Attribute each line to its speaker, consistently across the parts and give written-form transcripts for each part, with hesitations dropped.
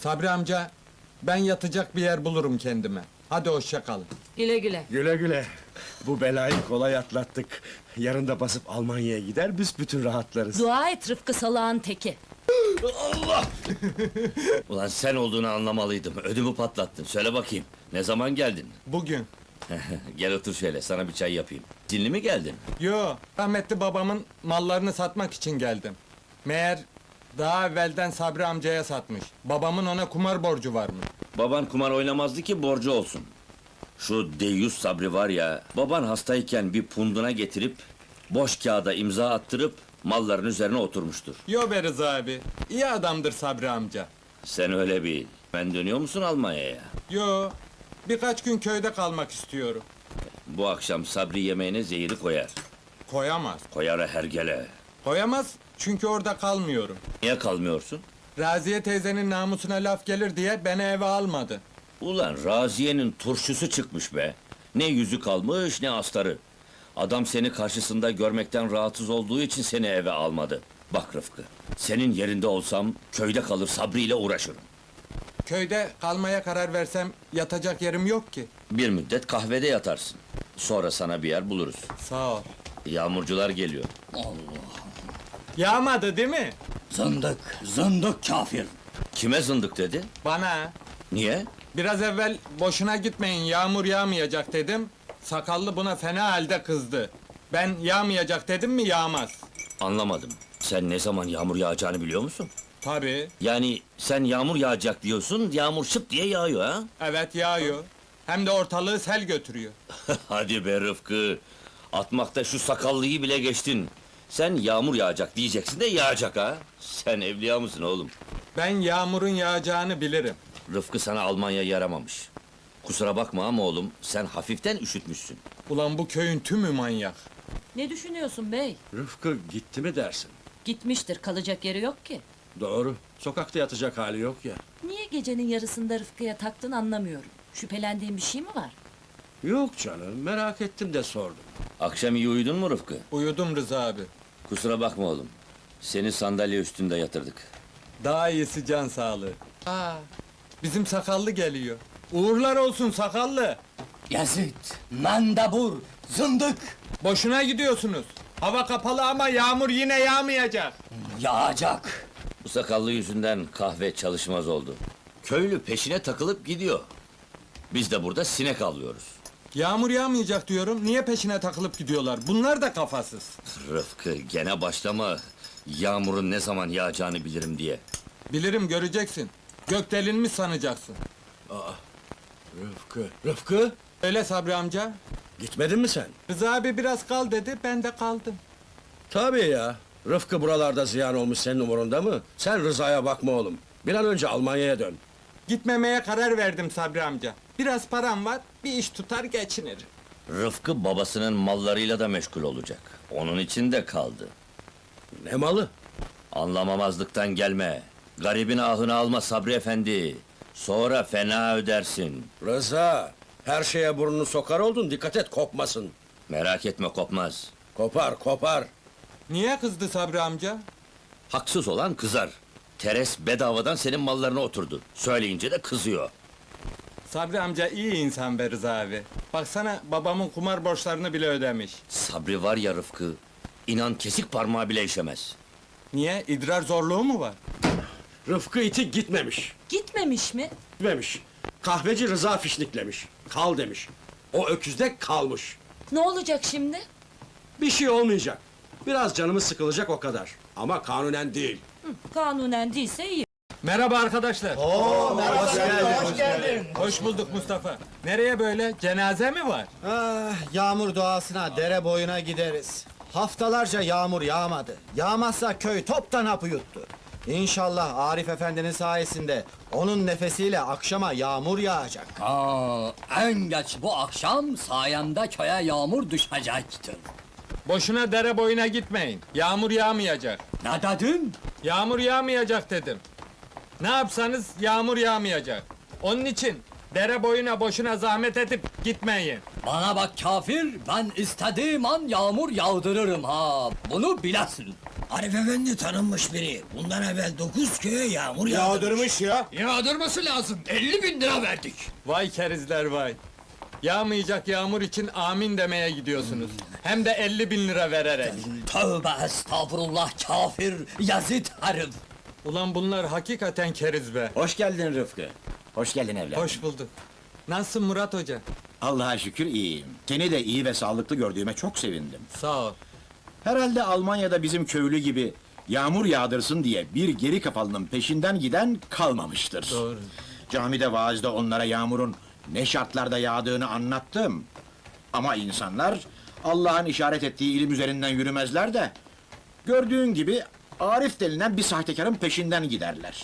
Speaker 1: Sabri amca, ben yatacak bir yer bulurum kendime. Hadi hoşça kalın.
Speaker 2: Güle güle.
Speaker 3: Güle güle. Bu belayı kolay atlattık. Yarın da basıp Almanya'ya gider, büsbütün rahatlarız.
Speaker 2: Dua et Rıfkı salağın teki.
Speaker 4: Ulan sen olduğunu anlamalıydım. Ödümü patlattın. Söyle bakayım. Ne zaman geldin?
Speaker 1: Bugün.
Speaker 4: Gel otur şöyle. Sana bir çay yapayım. Dinli mi geldin?
Speaker 1: Yo, rahmetli babamın mallarını satmak için geldim. Meğer daha evvelden Sabri amcaya satmış. Babamın ona kumar borcu varmış.
Speaker 4: Baban kumar oynamazdı ki borcu olsun. Şu deyyus Sabri var ya, baban hastayken bir punduna getirip boş kağıda imza attırıp malların üzerine oturmuştur.
Speaker 1: Yo be Rıza abi, iyi adamdır Sabri amca.
Speaker 4: Sen öyle bil. Ben dönüyor musun Almanya'ya?
Speaker 1: Yo, birkaç gün köyde kalmak istiyorum.
Speaker 4: Bu akşam Sabri yemeğine zehiri koyar.
Speaker 1: Koyamaz.
Speaker 4: Koyar hergele.
Speaker 1: Koyamaz çünkü orada kalmıyorum.
Speaker 4: Niye kalmıyorsun?
Speaker 1: Raziye teyzenin namusuna laf gelir diye beni eve almadı.
Speaker 4: Ulan Raziye'nin turşusu çıkmış be. Ne yüzü kalmış ne astarı. Adam seni karşısında görmekten rahatsız olduğu için seni eve almadı. Bak Rıfkı, senin yerinde olsam köyde kalır Sabri ile uğraşırım.
Speaker 1: Köyde kalmaya karar versem yatacak yerim yok ki.
Speaker 4: Bir müddet kahvede yatarsın. Sonra sana bir yer buluruz.
Speaker 1: Sağ ol.
Speaker 4: Yağmurcular geliyor.
Speaker 1: Yağmadı değil mi?
Speaker 5: Zındık, zındık kafir.
Speaker 4: Kime zındık dedi?
Speaker 1: Bana.
Speaker 4: Niye?
Speaker 1: Biraz evvel boşuna gitmeyin yağmur yağmayacak dedim. Sakallı buna fena halde kızdı. Ben yağmayacak dedim mi yağmaz.
Speaker 4: Anlamadım. Sen ne zaman yağmur yağacağını biliyor musun?
Speaker 1: Tabii.
Speaker 4: Yani sen yağmur yağacak diyorsun, yağmur şıp diye yağıyor ha?
Speaker 1: Evet yağıyor. Hem de ortalığı sel götürüyor.
Speaker 4: Hadi be Rıfkı! Atmakta şu sakallıyı bile geçtin. Sen yağmur yağacak diyeceksin de yağacak ha? Sen evliya mısın oğlum?
Speaker 1: Ben yağmurun yağacağını bilirim.
Speaker 4: Rıfkı sana Almanya yaramamış. Kusura bakma ama oğlum, sen hafiften üşütmüşsün.
Speaker 1: Ulan bu köyün tümü manyak.
Speaker 2: Ne düşünüyorsun bey?
Speaker 3: Rıfkı gitti mi dersin?
Speaker 2: Gitmiştir, kalacak yeri yok ki.
Speaker 3: Doğru. Sokakta yatacak hali yok ya.
Speaker 2: Niye gecenin yarısında Rıfkı'ya taktın anlamıyorum. Şüphelendiğin bir şey mi var?
Speaker 3: Yok canım, merak ettim de sordum.
Speaker 4: Akşam iyi uyudun mu Rıfkı?
Speaker 1: Uyudum Rıza abi.
Speaker 4: Kusura bakma oğlum. Seni sandalye üstünde yatırdık.
Speaker 1: Daha iyisi can sağlığı. Aa, bizim sakallı geliyor. Uğurlar olsun sakallı.
Speaker 5: Yazıt, mandabur, zındık.
Speaker 1: Boşuna gidiyorsunuz. Hava kapalı ama yağmur yine yağmayacak.
Speaker 5: Yağacak.
Speaker 4: Bu sakallı yüzünden kahve çalışmaz oldu. Köylü peşine takılıp gidiyor. Biz de burada sinek avlıyoruz.
Speaker 1: Yağmur yağmayacak diyorum. Niye peşine takılıp gidiyorlar? Bunlar da kafasız.
Speaker 4: Rıfkı gene başlama. Yağmurun ne zaman yağacağını bilirim diye.
Speaker 1: Bilirim göreceksin. Gök delinmiş sanacaksın.
Speaker 3: Rıfkı,
Speaker 1: Öyle Sabri amca.
Speaker 3: gitmedin mi sen?
Speaker 1: Rıza abi biraz kal dedi, ben de kaldım.
Speaker 3: Tabii ya. Rıfkı buralarda ziyan olmuş senin umurunda mı? Sen Rıza'ya bakma oğlum. Bir an önce Almanya'ya dön.
Speaker 1: Gitmemeye karar verdim Sabri amca. Biraz param var, bir iş tutar geçinir.
Speaker 4: Rıfkı babasının mallarıyla da meşgul olacak. Onun için de kaldı.
Speaker 3: Ne malı?
Speaker 4: Anlamamazlıktan gelme. Garibin ahını alma Sabri efendi. Sonra fena ödersin.
Speaker 3: Rıza, her şeye burnunu sokar oldun, dikkat et kopmasın.
Speaker 4: Merak etme kopmaz.
Speaker 3: Kopar, kopar.
Speaker 1: Niye kızdı Sabri amca?
Speaker 4: Haksız olan kızar. Teres bedavadan senin mallarına oturdu. Söyleyince de kızıyor.
Speaker 1: Sabri amca iyi insan be Rıza abi. Baksana babamın kumar borçlarını bile ödemiş.
Speaker 4: Sabri var ya Rıfkı, inan kesik parmağı bile işemez.
Speaker 1: Niye? İdrar zorluğu mu var?
Speaker 3: Rıfkı iti gitmemiş.
Speaker 2: Gitmemiş mi?
Speaker 3: Gitmemiş. Kahveci Rıza fişniklemiş. Kal demiş. O öküzde kalmış.
Speaker 2: Ne olacak şimdi?
Speaker 3: Bir şey olmayacak. Biraz canımız sıkılacak o kadar. Ama kanunen değil.
Speaker 2: Kanunen değilse iyi.
Speaker 1: Merhaba arkadaşlar.
Speaker 6: Hoş geldin.
Speaker 1: Hoş bulduk Mustafa. Nereye böyle? Cenaze mi var?
Speaker 6: Ah, yağmur duasına dere boyuna gideriz. Haftalarca yağmur yağmadı. Yağmazsa köy toptan hapı yuttu. İnşallah Arif Efendi'nin sayesinde onun nefesiyle akşama yağmur yağacak.
Speaker 5: En geç bu akşam sayemde köye yağmur düşecektir.
Speaker 1: Boşuna dere boyuna gitmeyin. Yağmur yağmayacak.
Speaker 5: Ne dedin?
Speaker 1: Yağmur yağmayacak dedim. Ne yapsanız yağmur yağmayacak. Onun için dere boyuna boşuna zahmet edip gitmeyin.
Speaker 5: Bana bak kafir, ben istediğim an yağmur yağdırırım ha. Bunu bilesin.
Speaker 7: Arif Efendi tanınmış biri. Bundan evvel 9 köye yağmur yağdırmış.
Speaker 5: Yağdırması lazım. 50.000 lira verdik.
Speaker 1: Vay kerizler vay. Yağmayacak yağmur için amin demeye gidiyorsunuz. Hem de 50.000 lira vererek.
Speaker 5: Tövbe estağfurullah kafir yazıt herif.
Speaker 1: Ulan bunlar hakikaten keriz be.
Speaker 8: Hoş geldin Rıfkı. Hoş geldin evladım.
Speaker 1: Hoş bulduk. Nasılsın Murat Hoca?
Speaker 8: Allah'a şükür iyiyim. Seni de iyi ve sağlıklı gördüğüme çok sevindim.
Speaker 1: Sağ ol.
Speaker 8: Herhalde Almanya'da bizim köylü gibi yağmur yağdırsın diye bir geri kafalının peşinden giden kalmamıştır.
Speaker 1: Doğru.
Speaker 8: Camide vaazda onlara yağmurun ne şartlarda yağdığını anlattım. Ama insanlar Allah'ın işaret ettiği ilim üzerinden yürümezler de gördüğün gibi Arif denilen bir sahtekarın peşinden giderler.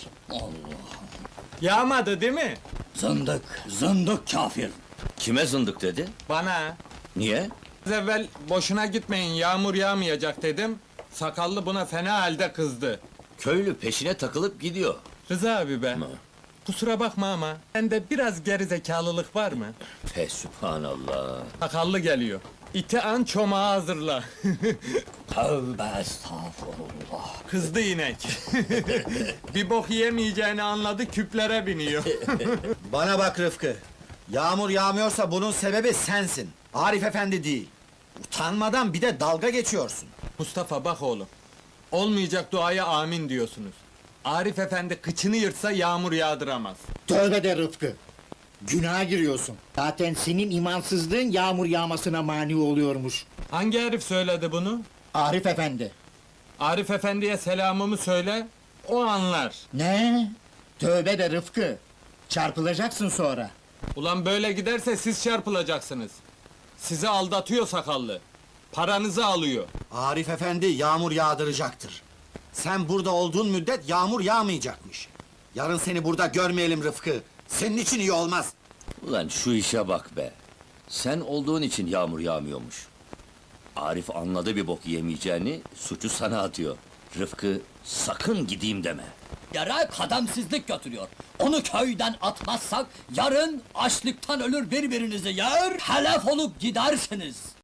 Speaker 1: Yağmadı değil mi?
Speaker 5: Zındık kafir.
Speaker 4: Kime zındık dedi?
Speaker 1: Bana.
Speaker 4: Niye?
Speaker 1: Az evvel boşuna gitmeyin yağmur yağmayacak dedim. Sakallı buna fena halde kızdı.
Speaker 4: Köylü peşine takılıp gidiyor.
Speaker 1: Rıza abi be.
Speaker 4: Ama
Speaker 1: Kusura bakma ama sende biraz gerizekalılık var mı?
Speaker 4: fe sübhanallah.
Speaker 1: Sakallı geliyor. İti an çomağı hazırla.
Speaker 5: Tövbe estağfurullah.
Speaker 1: Kızdı inek. Bir bok yemeyeceğini anladı küplere biniyor.
Speaker 6: Bana bak Rıfkı. Yağmur yağmıyorsa bunun sebebi sensin. Arif Efendi değil. Utanmadan bir de dalga geçiyorsun.
Speaker 1: Mustafa bak oğlum. Olmayacak duaya amin diyorsunuz. Arif Efendi kıçını yırtsa yağmur yağdıramaz.
Speaker 9: Tövbe de Rıfkı. Günaha giriyorsun. Zaten senin imansızlığın yağmur yağmasına mani oluyormuş.
Speaker 1: Hangi herif söyledi bunu?
Speaker 9: Arif Efendi.
Speaker 1: Arif Efendi'ye selamımı söyle, o anlar.
Speaker 9: Ne? Tövbe de Rıfkı. Çarpılacaksın sonra.
Speaker 1: Ulan böyle giderse siz çarpılacaksınız. Sizi aldatıyor sakallı. Paranızı alıyor.
Speaker 6: Arif Efendi yağmur yağdıracaktır. Sen burada olduğun müddet yağmur yağmayacakmış. Yarın seni burada görmeyelim Rıfkı. Senin için iyi olmaz.
Speaker 4: Ulan şu işe bak be. Sen olduğun için yağmur yağmıyormuş. Arif anladı bir bok yemeyeceğini, suçu sana atıyor. Rıfkı, sakın gideyim deme.
Speaker 5: Yere kademsizlik götürüyor. Onu köyden atmazsak yarın açlıktan ölür birbirinizi yer, helef olup gidersiniz.